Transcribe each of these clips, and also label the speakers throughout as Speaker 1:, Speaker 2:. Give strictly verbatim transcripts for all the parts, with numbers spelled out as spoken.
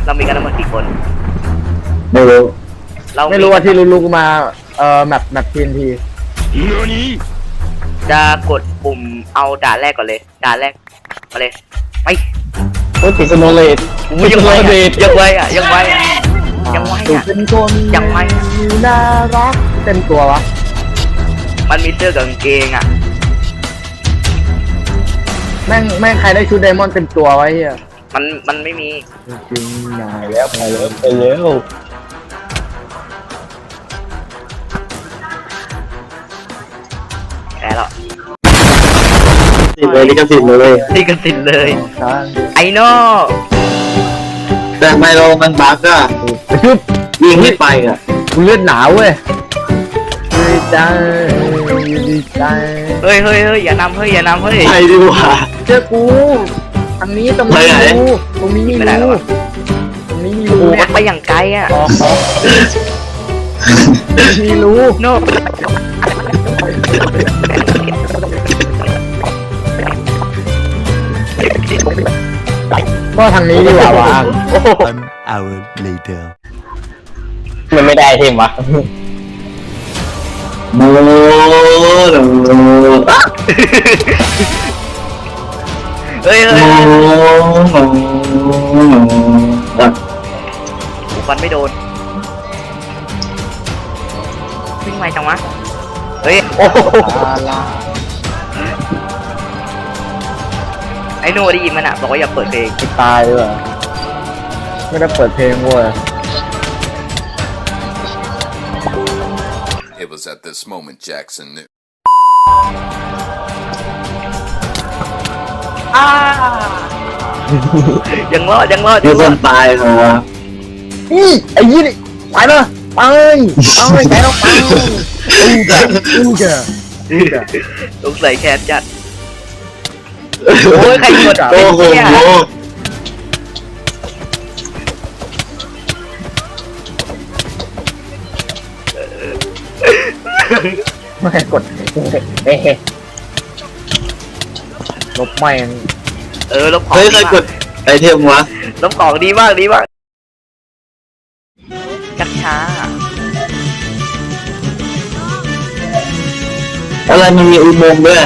Speaker 1: เรามีกันทั้งหมดกี่คน
Speaker 2: ไม่รู้
Speaker 1: เรา
Speaker 3: ไม่รู้ว่าที่รู้ๆมาเอ่อแมปแมปทีนที
Speaker 1: จะกดปุ่มเอาด่านแรกก่อนเลยด่านแรกมาเลยไป
Speaker 3: โอ้ยติดสโนว์เลด
Speaker 1: อุ้ยยังไวอ่ะยังไวอ่ะยังไวอ่ะยังไว
Speaker 3: ถูก
Speaker 1: อ่ะ
Speaker 3: เป็นคน
Speaker 1: ยังไวอ่ะ
Speaker 3: น่ารักเต็มตัววะ
Speaker 1: มันมีเสื้อกับกางเกงอ่ะ
Speaker 3: แม่งแม่งใครได้ชุดไดมอนด์เต็มตัวไว้เฮีย
Speaker 1: มันมันไม่มี
Speaker 3: จริงๆนายแล้วไปแล้วไปแล้ว
Speaker 1: แพ้แล้ว
Speaker 2: ติดเลยลิขสิทธิ์เลย
Speaker 1: นี่ก็สิทธิ์เลย
Speaker 3: ทาง
Speaker 1: ไอโน่
Speaker 2: แต่ไมโลมันบั๊กอะ
Speaker 3: ชุบ
Speaker 2: ยิงไม่ไปอะ
Speaker 3: กูเลือดหนาวเว้ยดีใจดีใจ
Speaker 1: เฮ้ยเฮ้ยเฮ้ยอย่านำเฮ้ยอย่านำเฮ้ย
Speaker 2: ไปดีกว่า
Speaker 3: เจอกูทางนี้ตรงนี้
Speaker 2: ไปไหน
Speaker 3: มีรูตรงนี้มี
Speaker 1: ไม่ได้หร
Speaker 3: รู
Speaker 1: อ
Speaker 3: ตรงนี้มี
Speaker 1: โอ้
Speaker 3: รู
Speaker 1: โห
Speaker 3: เนี่
Speaker 1: มั
Speaker 3: ย
Speaker 1: นไปอย่างไกลอ่ะ
Speaker 3: ออกออกมีรู
Speaker 1: โน่
Speaker 3: ก็ทางนี้ดีกว่าวะ
Speaker 4: One hour later.
Speaker 3: มันไม่ได้เทมวะ
Speaker 2: โมโนอะ
Speaker 1: เฮ้ยเฮ้ย
Speaker 2: โม
Speaker 1: เฮ้ย
Speaker 2: โนอะ
Speaker 1: ฟันไม่โดนวิ่งไวจังวะเฮ้ย
Speaker 3: โอ้โห
Speaker 1: ไอโน่ได้ยินมันอ่ะบอกว่าอย่าเปิดเพลง
Speaker 3: ตายเลยว่ะไม่ได้เปิดเพลงเว้ย
Speaker 5: It was at this moment Jackson knew.
Speaker 1: อ้ายังรอดยังรอด
Speaker 2: มี
Speaker 1: ยัง
Speaker 2: ค
Speaker 1: รอด
Speaker 2: นตายเหรอวะ
Speaker 3: นี่ไอ้ยี่นี่ไปเลยไปไปไปแล้วไปอู้กะอู้กะอู้กะ
Speaker 1: สงสัยแค้นจัดโอ้ยใครกด
Speaker 2: โอ้โห
Speaker 1: เนี่ย
Speaker 3: ไม่กดเอ๊ะลบแม่ง
Speaker 1: เออลบของ
Speaker 2: เฮ้ยใคร
Speaker 1: ดี
Speaker 2: ก
Speaker 1: มาก
Speaker 2: ดไอเทมวะ
Speaker 1: ลบของดีมากดีมากชักช้า
Speaker 2: อะไรมันมีอุโมงค์ด้วยอะ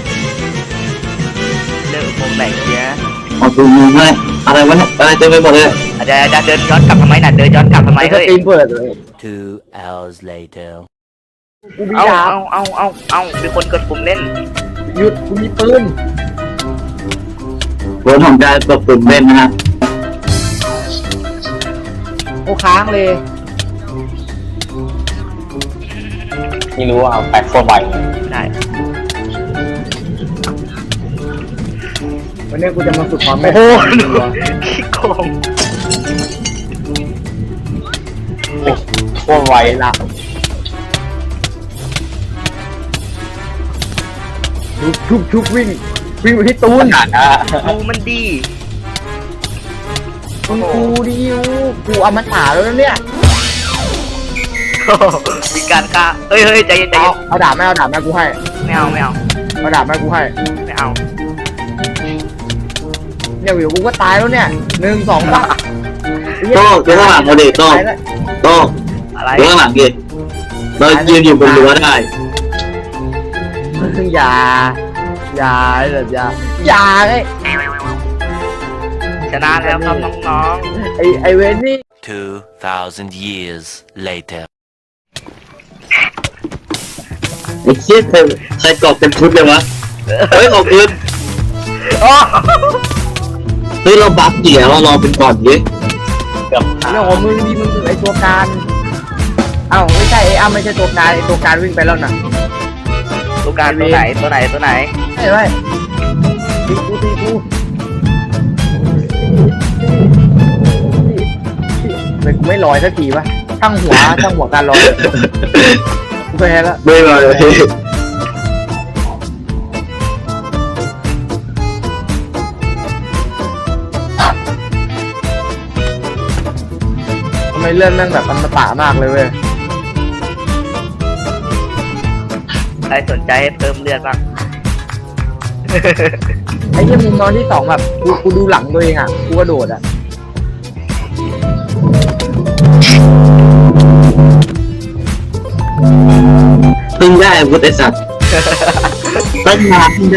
Speaker 1: เรื่องของไหนเนี่ย
Speaker 2: เอาอุโมงค์ไหมอะไรวะเนี่ยอะไรเต็มไปหมดเลย
Speaker 1: อาจจะจะเดินย้อนกลับทำไมน่ะเดินย้อนกลับทำไม
Speaker 3: ไอ้ส
Speaker 1: เฮ้ย
Speaker 3: ตรีมเปิดเลย
Speaker 4: Two hours later.
Speaker 3: กูมี
Speaker 1: เอา
Speaker 3: ดาบ
Speaker 1: เอาเอาเอาเอามีคนกดปุ่มเล่น
Speaker 3: หยุดกูมีปืน
Speaker 2: รถของการประปุ่มเล่นนะฮะ
Speaker 3: โอ้ค้างเลยไม่รู้ว่าแปดโคตรไว
Speaker 1: ได้
Speaker 3: วันนี้กูจะมาฝึกความ
Speaker 1: โอ้
Speaker 3: แม่น
Speaker 1: โหขี้โกง
Speaker 3: โคตรไวละชุบชุบชุบวิ่งวิ่งไปที่ตูน
Speaker 1: ดูมันดี
Speaker 3: มึงกูดิวกูเอามาถ่าแล้วนะเนี่ย
Speaker 1: มีการฆ่าเฮ้ยเฮ้ยใจเย็นใจ
Speaker 3: เอา
Speaker 1: เย็น
Speaker 3: เอาดาบแม่เอาดาบแม่กูให้
Speaker 1: ไม่เอาไม่เอา
Speaker 3: เอาดาบแม่กูให้
Speaker 1: ไม่เอา
Speaker 3: เนี่ยวิวกูก็ตายแล้วเนี่ยหนึ่งสองสาม
Speaker 2: โต้ดูข้างหลังเราดิโต้โต้
Speaker 1: อะไร
Speaker 2: ดูข้างหลังดิเรายืนอยู่บนรั้วได้
Speaker 3: อย่าอย่าแบบอย่าอย่าไอ้
Speaker 1: ชนะแล้วครับน้อง
Speaker 3: ไอ้ไอ้เวนนี่
Speaker 4: Two thousand years later.
Speaker 2: ไอ้เชี่ยใครใครกรอบเต็มชุดเลยวะเฮ้ยขอบคุณ
Speaker 1: ๆโอ้
Speaker 2: เฮ้ยเราบัฟเดี๋ยวเรารอเป็นก่อนดิ
Speaker 3: เรื่องของมึงดีมึงคือไอ้ตัวการเอ้าไม่ใช่ไอ้อ้าไม่ใช่ตัวการไอ้ตัวการวิ่งไปแล้วน่ะ
Speaker 1: ตัวการตัวไหนตัวไหนตัวไหน
Speaker 3: ใช่ไหมตีกูตีกูเป็นกูไม่ลอยสักทีวะช่างหัวช่างหัวการลอยกูแพ้แล้ว
Speaker 2: ไม่มาเลย
Speaker 3: ทำไมเลื่อนแม่งแบบอมตะมากเลยเว้ย
Speaker 1: ใครสนใจให้เติมเลือดบ้าง
Speaker 3: ไอ้เหี้ยมุมนอนที่สองแบบกูกูดูหลังตัวเองอ่ะกูกระโดดอ่ะ
Speaker 2: พิ่งได้อาวุธไอ้สัตว์ตั้งนานเพิ่งได้